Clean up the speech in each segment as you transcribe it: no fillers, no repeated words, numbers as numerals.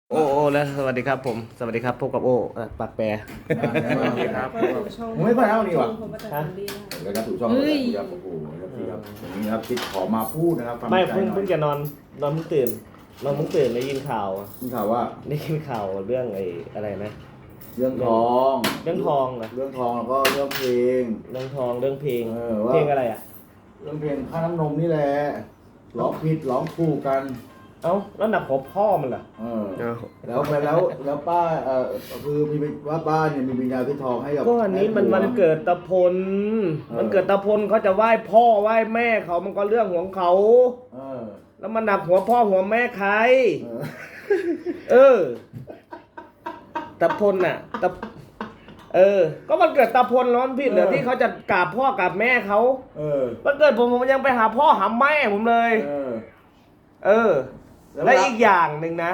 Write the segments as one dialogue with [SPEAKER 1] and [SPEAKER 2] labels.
[SPEAKER 1] โอ้แล้วสวัสดีครับผมสวัสดีครับพบกับโอ้ปากแปร
[SPEAKER 2] สวัสดีครับ
[SPEAKER 3] ผมไม่ค่อยเอาดีว่ะ
[SPEAKER 1] ฮะ
[SPEAKER 3] แล้วก็ถูกช่องแล้วครับโอ้โหนะครับพี่ครับวันนี้ครับติดขอมาพูดนะครับ
[SPEAKER 1] ไม่
[SPEAKER 3] ฟังใจหน่
[SPEAKER 1] เพิ่
[SPEAKER 3] อง ย
[SPEAKER 1] จะนอนเพิ่งตื่นได้ยินข่าว
[SPEAKER 3] มีข่าวว่า
[SPEAKER 1] ได้ยินข่าวเรื่องไอ้อะไรนะ
[SPEAKER 3] เรื่องทอง
[SPEAKER 1] เรื่องทองเหรอ
[SPEAKER 3] เรื่องทองแล้วก็เรื่องเพลง
[SPEAKER 1] เรื่องทองเรื่องเพลง
[SPEAKER 3] ว่า
[SPEAKER 1] เพลงอะไรอ่ะ
[SPEAKER 3] เรื่องเพลงค่าน้ำนมนี่แหละร้องผิดร้องถูกกัน
[SPEAKER 1] เอ้าแล้วหนักของพ่อมันเหรอ
[SPEAKER 3] แล้วป้าคือมีว่าป้าเนี่ยมีวิญญาณที่ทองให้กับ
[SPEAKER 1] ก็อันนี้มันวันเกิดตะพลมันเกิดตะพลเขาจะไหว้พ่อไหว้แม่เขามันก็เรื่องของเขา
[SPEAKER 3] เออ
[SPEAKER 1] แล้วมันหนักหัวพ่อหัวแม่ใคร
[SPEAKER 3] เออ
[SPEAKER 1] เออตะพลน่ะก็มันเกิดตะพลร้อนผิดเหรอที่เขาจะกราบพ่อกราบแม่เขา
[SPEAKER 3] เออ
[SPEAKER 1] มันเกิดผมยังไปหาพ่อหาแม่ผมเลย
[SPEAKER 3] เออ
[SPEAKER 1] เออ
[SPEAKER 3] แล้ว
[SPEAKER 1] และอีกอย่างหนึ่งนะ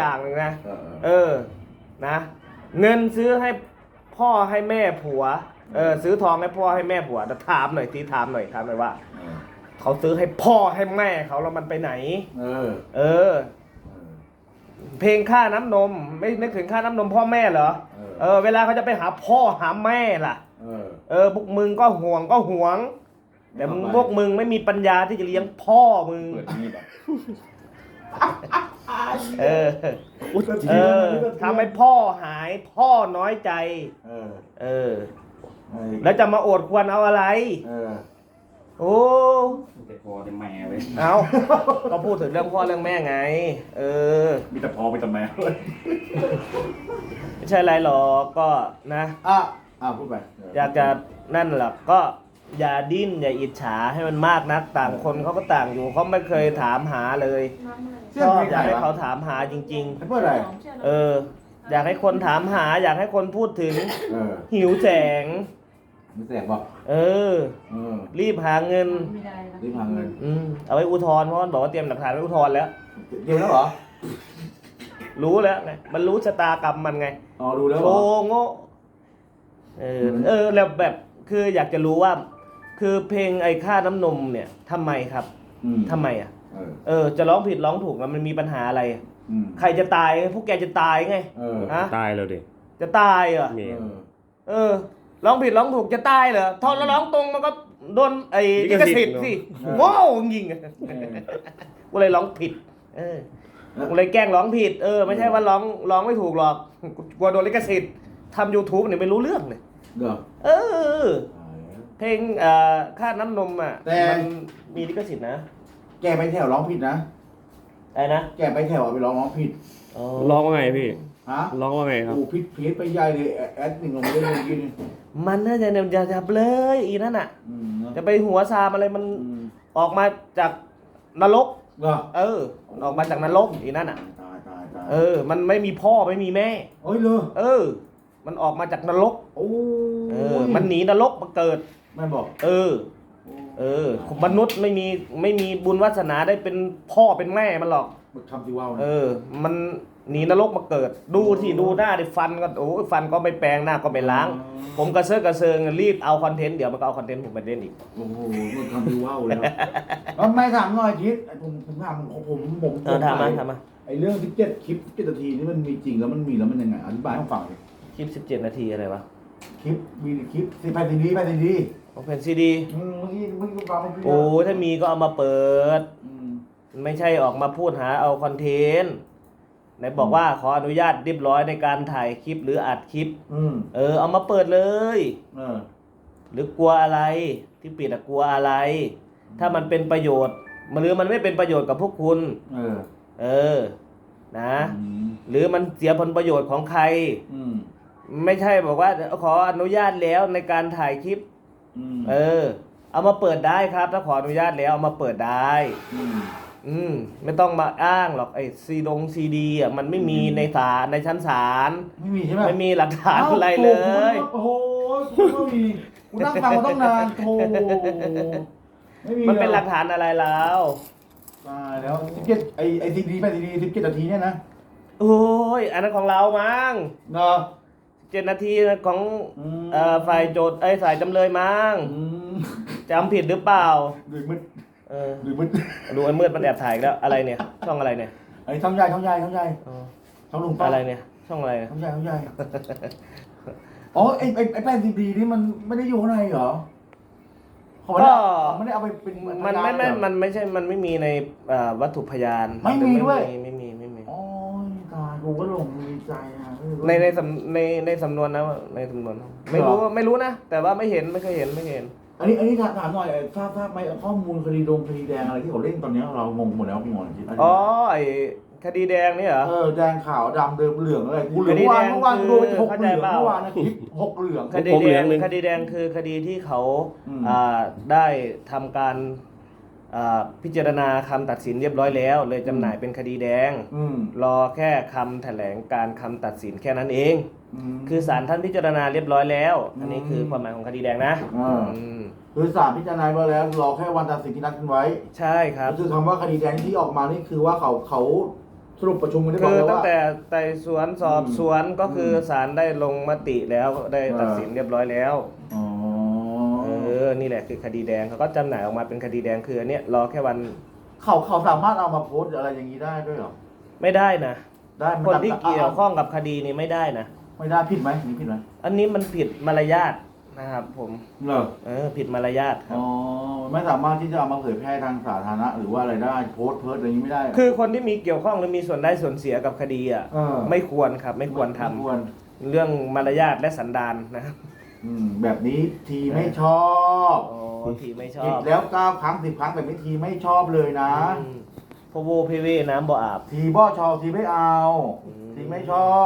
[SPEAKER 1] นะเงินซื้อให้พ่อให้แม่ผัวซื้อทองให้พ่อให้แม่ผัวแต่ถามหน่อยว่า เขาซื้อให้พ่อให้แม่เขาแล้วมันไปไหน เออ เพลงค่าน้ำนมไม่นึกถึงค่าน้ำนมพ่อแม่เหรอเวลาเขาจะไปหาพ่อหาแม่ล่ะพวกมึงก็ห่วงแต่พวกมึงไม่มีปัญญาที่จะเลี้ยงพ่อมึง
[SPEAKER 3] เปิดนี่แบบ
[SPEAKER 1] ทำให้พ่อหายพ่อน้อยใจแล้วจะมาโอดควรเอาอะไรโอ้
[SPEAKER 2] แต่พอแต่แม่เลย
[SPEAKER 1] เอาก็พูดถึงเรื่องพ่อเรื่องแม่ไง
[SPEAKER 2] มีแต่พอมีแต่แม่
[SPEAKER 1] ไม่ใช่อะไรหรอกก็นะ
[SPEAKER 3] พูดไป
[SPEAKER 1] อยากจะนั่นแหละก็อย่าดิ้นอย่าอิจฉาให้มันมากนักต่างคนเขาก็ต่างอยู่เขาไม่เคยถามหาเลยชอบอยากให้เขาถามหาจริง
[SPEAKER 3] เพื่ออะไร
[SPEAKER 1] ๆอยากให้คนถามหา อยากให้คนพูดถึงหิวแสง
[SPEAKER 3] ไม่แสบบอก
[SPEAKER 1] รีบหาเงิน
[SPEAKER 3] รีบหาเงิน
[SPEAKER 1] เอาไว้อุทธรณ์เพราะมันบอกว่าเตรียมหลักฐานไว้อุทธรณ์แล้ว
[SPEAKER 3] เดียวแล้วเหรอ
[SPEAKER 1] รู้แล้วไงมันรู้ชะตากรรมมันไง
[SPEAKER 3] ดูแล้ว
[SPEAKER 1] โโง่แล้วแบบคืออยากจะรู้ว่า คือเพลงไอ้ค่าน้ำนมเนี่ยทำไมครับทำไมอ่ะจะร้องผิดร้องถูกแล้วมันมีปัญหาอะไรใครจะตายพวกแกจะตายไง
[SPEAKER 4] ตายแล้วดิ
[SPEAKER 1] จะตายเหรอร้องผิดร้องถูกจะตายเหรอทอนแล้วร้องตรงมันก็โดนไอ้ลิขสิทธิ์สิโง่จริงกูเลยร้องผิดกูเลยแกล้งร้องผิดไม่ใช่ว่าร้องไม่ถูกหรอกกลัวโดนลิขสิทธิ์ทำ YouTube เนี่ยไม่รู้เรื่องเลยเพลงค่าน้ำนมอ่ะมันมีลิขสิทธิ์นะ
[SPEAKER 3] แกไปแถวร้องผิดนะ
[SPEAKER 1] อะไรนะ
[SPEAKER 3] แกไปแถวไปร้องผิด
[SPEAKER 4] ร้องว่าไงพี่
[SPEAKER 3] ฮะ
[SPEAKER 4] ร้องว่าไงครับ
[SPEAKER 3] ผิดไปใหญ่เลยแอดหนึ่งลงไปเลยกิน
[SPEAKER 1] มันน่าจะเนี่ยจะเลยอีนั่นอ่ะจะไปหัวซามอะไรมันออกมาจากนรกออกมาจากนรกอีนั่นอ่ะ
[SPEAKER 3] ตาย
[SPEAKER 1] มันไม่มีพ่อไม่มีแม่
[SPEAKER 3] เลย
[SPEAKER 1] มันออกมาจากนรกมันหนีนรกมาเกิด
[SPEAKER 3] แม่บอก
[SPEAKER 1] มนุษย์ไม่มีบุญวาสนาได้เป็นพ่อเป็นแม่มันหรอก
[SPEAKER 3] ทำที่ว่า
[SPEAKER 1] มันหนีนรกมาเกิดดูหน้าดิฟันก็ฟันก็ไม่แปรงหน้าก็ไม่ล้าง ผมกระเซิงรีบเอาคอนเทนต์เดี๋ยวมันก็เอาคอนเทนต์ผมไปเล่นอีก
[SPEAKER 3] โอ้โหมันทำที่ว่าเลยไม่ถามหน่อยคิดผมถามผม
[SPEAKER 1] ถามมา
[SPEAKER 3] ไอเรื่อง17คลิป7นาทีนี่มันมีจริงแล้วมันมีแล้วมันยังไงอธิบายให้ฟังเลย
[SPEAKER 1] คลิป17 นาทีอะไรวะ
[SPEAKER 3] มีคลิปไปทีนี้
[SPEAKER 1] เป็นซีดีโอ้ถ้ามีก็เอามาเปิดไม่ใช่ออกมาพูดหาเอาคอนเทนต์ไหนบอกว่าขออนุญาตเรียบร้อยในการถ่ายคลิปหรืออัดคลิปเอามาเปิดเลยหรือกลัวอะไรที่ปิดกลัวอะไรถ้ามันเป็นประโยชน์หรือมันไม่เป็นประโยชน์กับพวกคุณนะหรือมันเสียผลประโยชน์ของใครไม่ใช่บอกว่าขออนุญาตแล้วในการถ่ายคลิปเอามาเปิดได้ครับถ้าขออนุญาตแล้วเอามาเปิดได้ไม่ต้องมาอ้างหรอกไอ้ซีดีอ่ะมันไม่มีในชั้นศาล
[SPEAKER 3] ไม่มีใช่ไหม
[SPEAKER 1] ไม่มีหลักฐานอะไรเลย
[SPEAKER 3] โอ้โหไม่มีกูนั่งฟังมาตั้งนานโธ่
[SPEAKER 1] มันเป็นหลักฐานอะไรแล้ว
[SPEAKER 3] ตายแล้ว17ไอ้ซีดีไปซีดี17นาทีเนี่ยนะ
[SPEAKER 1] โอ้ยอันนั้นของเรามั้ง
[SPEAKER 3] เนาะ
[SPEAKER 1] 7 นาทีของฝ่ายโจทย์ฝ่ายจำเลยมั้งจำผิดหรือเปล่า
[SPEAKER 3] ดูมืด
[SPEAKER 1] ดูไอ้มืดมันแอบถ่ายแล้วอะไรเนี่ยช่องอะไรเนี่ย
[SPEAKER 3] ไอ้ช่องใหญ่ช่องลุงป้า
[SPEAKER 1] อะไรเนี่ย ช่องอะไรเนี่ย
[SPEAKER 3] ช่องใหญ่ช่องใหญ่อ๋อไอ้แป้นซีดีนี่มันไม่ได้อยู่ข้างในเหรอเขาไม่ได้เอาไปเป็น
[SPEAKER 1] มันไม่
[SPEAKER 3] เหรอ
[SPEAKER 1] มันไม่ใช่มันไม่มีในวัตถุพยาน
[SPEAKER 3] ไม่มีด้วย
[SPEAKER 1] ไม่มี
[SPEAKER 3] อ๋อตายกูก็หลงดีใจอ่ะ
[SPEAKER 1] ในสำนวนนะในสำนวนไม่รู้นะ แต่ว่าไม่เห็นไม่เคยเห็น
[SPEAKER 3] อันนี้ถามหน่อยทราบไหมข้อมูลคดีแดงอะไรที่เขาเล่นตอนนี้เรางงหมดแล้วพี่งอนคิด
[SPEAKER 1] อ๋อไอคดีแดงนี่เหรอ
[SPEAKER 3] แดงขาวดำเดิมเหลืองอะไรกูเหลือง
[SPEAKER 1] คดีแดง
[SPEAKER 3] เมื่อวานกูโดนหก
[SPEAKER 1] เข้า
[SPEAKER 3] เห
[SPEAKER 1] ใจ
[SPEAKER 3] ลือง
[SPEAKER 1] เปล่า
[SPEAKER 3] เมื่อวานนะคลิปหกเหลือง
[SPEAKER 1] คดี
[SPEAKER 4] ผมเหลื
[SPEAKER 1] แด
[SPEAKER 4] อง
[SPEAKER 1] ง
[SPEAKER 4] หนึ่ง
[SPEAKER 1] คดีแดงคือคดีที่เขา
[SPEAKER 3] อืม
[SPEAKER 1] ได้ทำการพิจารณาคำตัดสินเรียบร้อยแล้ว เลยจำหน่ายเป็นคดีแดง รอแค่คำแถลงการคำตัดสินแค่นั้นเอง คือศาลท่านพิจารณาเรียบร้อยแล้ว อันนี้คือความหมายของคดีแดงนะอืม
[SPEAKER 3] คือศาลพิจารณาไว้แล้วรอแค่วันตัดสินที่นัดกันไว้
[SPEAKER 1] ใช่ครับ
[SPEAKER 3] ก็คือคำว่าคดีแดงที่ออกมานี่คือว่าเขาสรุปประชุมกันได้
[SPEAKER 1] คือ
[SPEAKER 3] แล้ว
[SPEAKER 1] ตั้ง
[SPEAKER 3] ว่า
[SPEAKER 1] แต่ไต่สวนสอบสวนก็คือศาลได้ลงมติแล้วได้ตัดสินเรียบร้อยแล้ว
[SPEAKER 3] อ๋อ
[SPEAKER 1] นี่แหละคือคดีแดงเขาก็จำหน่ายออกมาเป็นคดีแดงคืออันเนี้ยรอแค่วัน
[SPEAKER 3] เขาสามารถเอามาโพสต์อะไรอย่างนี้ได้ด้วยเหรอ
[SPEAKER 1] ไม่ได้นะ
[SPEAKER 3] ได้มั
[SPEAKER 1] คนที่
[SPEAKER 3] ตัด
[SPEAKER 1] เกี่ยวข้องกับคดีนี้ไม่ได้นะ
[SPEAKER 3] ไม่ได้ผิดไหมนี่ผิดไหม
[SPEAKER 1] อันนี้มันผิดมารยาทนะครับผม
[SPEAKER 3] เหรอ
[SPEAKER 1] ผิดมารยาทครับ
[SPEAKER 3] อ๋อไม่สามารถที่จะเอามาเผยแพร่ทางสาธารณะหรือว่าอะไรได้โพสต์เพิร์ดอะไรอย่างนี้ไม่ได้เหร
[SPEAKER 1] คือคนที่มีเกี่ยวข้องหรือมีส่วนได้ส่วนเสียกับคดีอ่ะ ไม่ควรครับไม่ควรทำ
[SPEAKER 3] ไม่ควร
[SPEAKER 1] เรื่องมารยาทและสันดานนะครับ
[SPEAKER 3] แบบนี้ทีไม่ชอบ
[SPEAKER 1] โอ้ทีไม่ชอ
[SPEAKER 3] ผิด
[SPEAKER 1] บ
[SPEAKER 3] แล้ว9 ครั้ง 10 ครั้งแบบนี้ทีไม่ชอบเลยนะ
[SPEAKER 1] พะโวเพเวน้ำบ่อาบ
[SPEAKER 3] ทีบ่ชอบทีไม่เอา ทีไม่ชอบ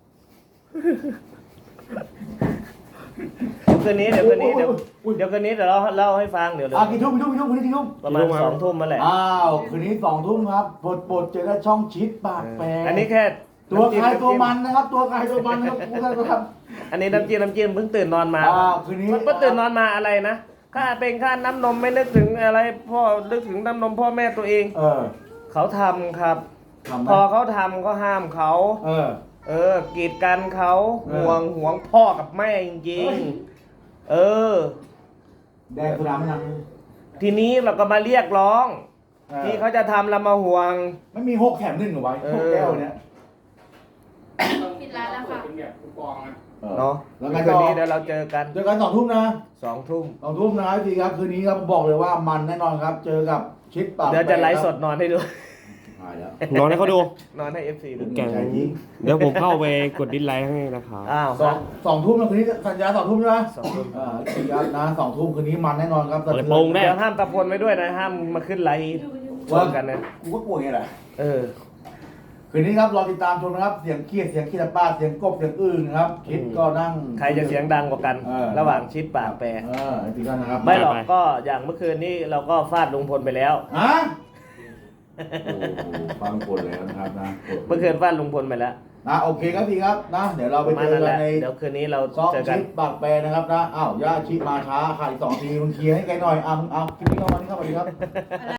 [SPEAKER 1] เดี๋ยวคืนนี้เดี๋ยวคืนนี้เดี๋ยวเราเล่าให้ฟังเดี๋ยว
[SPEAKER 3] กี่ทุ่มคืนนี้กี่ทุ่ม
[SPEAKER 1] ประมาณ2 ทุ่มมาแหละ
[SPEAKER 3] คืนนี้2 ทุ่มครับโปรดเจอได้ช่องชิดปากแปร
[SPEAKER 1] อันนี้แค่
[SPEAKER 3] ตัวใครตัวมันนะครับตัวใครตัวมันนะครับพูดกันนะครับ
[SPEAKER 1] อันนี้น้ำจิ้มเพิ่งตื่นนอนมา
[SPEAKER 3] คืนนี้
[SPEAKER 1] เพิ่งตื่นนอนมาอะไรนะค่าเป็นค่าน้ำนมไม่นึกถึงอะไรพ่อนึกถึงน้ำนมพ่อแม่ตัวเอง เขาทำครับ พอเขาทำก็ห้ามเขากีดกันเขาห่วงพ่อกับแม่จริงๆ
[SPEAKER 3] แดงสุดาไม่นัง
[SPEAKER 1] ทีนี้เราก็มาเรียกร้อง ที่เขาจะทำเรามาห่วง
[SPEAKER 3] ไม่มี6 แถม 1เหรอไว้6 แก้วเนี้ย
[SPEAKER 5] ปิดร้านแล้วค่ะ
[SPEAKER 2] เป็นแบบคูปองนะ
[SPEAKER 1] เนาะ
[SPEAKER 3] แล้วไง
[SPEAKER 1] คื
[SPEAKER 3] ต่
[SPEAKER 1] น
[SPEAKER 3] อ
[SPEAKER 1] นี้เดี๋ยวเราเจอกัน
[SPEAKER 3] เจอกัน2 ทุ่มนะ
[SPEAKER 1] 2 ทุ่ม
[SPEAKER 3] 2 ทุ่มนะครับทีครับคืนนี้ครับบอกเลยว่ามันแน่นอนครับ เจอกับชิดปาก
[SPEAKER 1] เดี๋ยวจะไลฟ์สดนอนให้ดู
[SPEAKER 3] หายแล้ว
[SPEAKER 4] นอนให้เขาดู
[SPEAKER 1] นอนให้ FC ดู
[SPEAKER 4] แกงเดี๋ยวผมเข้าไปกดดิสไลค์ให้นะครับ
[SPEAKER 1] อ้าว
[SPEAKER 3] สองทุ่มนะคืนนี้สัญญา2 ทุ่มใช่ไหม
[SPEAKER 1] 2 ทุ่ม
[SPEAKER 3] ครับนะ2 ทุ่มคืนนี้มันแน่นอนครับ
[SPEAKER 4] เปิดโปงได้
[SPEAKER 1] เดี๋ยวห้ามตะพลไว้ด้วยนะ ห้ามมาขึ้นไลฟ์ชมกันนะ
[SPEAKER 3] กูก็กลัวไงแหละ คืนนี้ครับรอติดตามชมนะครับเสียงเครียดเสียงขี้ตาป้าเสียงกบเสียงอื่นนะครับคิดก็นั่ง
[SPEAKER 1] ใครจะเสียงดังกว่ากัน ระหว่างชิดปากแปร
[SPEAKER 3] ติดกันนะครับ
[SPEAKER 1] ไม่หรอกก็อย่างเมื่อคืนนี้เราก็ฟาดลุงพลไปแล้ว
[SPEAKER 3] ฮะฟังคนแล้วนะครับนะ
[SPEAKER 1] เมื่อคืนฟาดลุงพลไปแล้ว
[SPEAKER 3] โอเคครับพี่ครับนะเดี๋ยวเราไป
[SPEAKER 1] ประมา
[SPEAKER 3] เจ
[SPEAKER 1] ณ
[SPEAKER 3] อ
[SPEAKER 1] นั้นแหละ
[SPEAKER 3] กันใน
[SPEAKER 1] เดี๋ยวคืนนี้เรา
[SPEAKER 3] ซอก
[SPEAKER 1] เจอกัน
[SPEAKER 3] ชิดปากแปรนะครับนะย่าชิมาช้าขาดอีก2 ทีมึงเคลียร์ให้แกหน่อยมึงเอาคลิปนี้เข้ามานี่เข้ามาดีครับ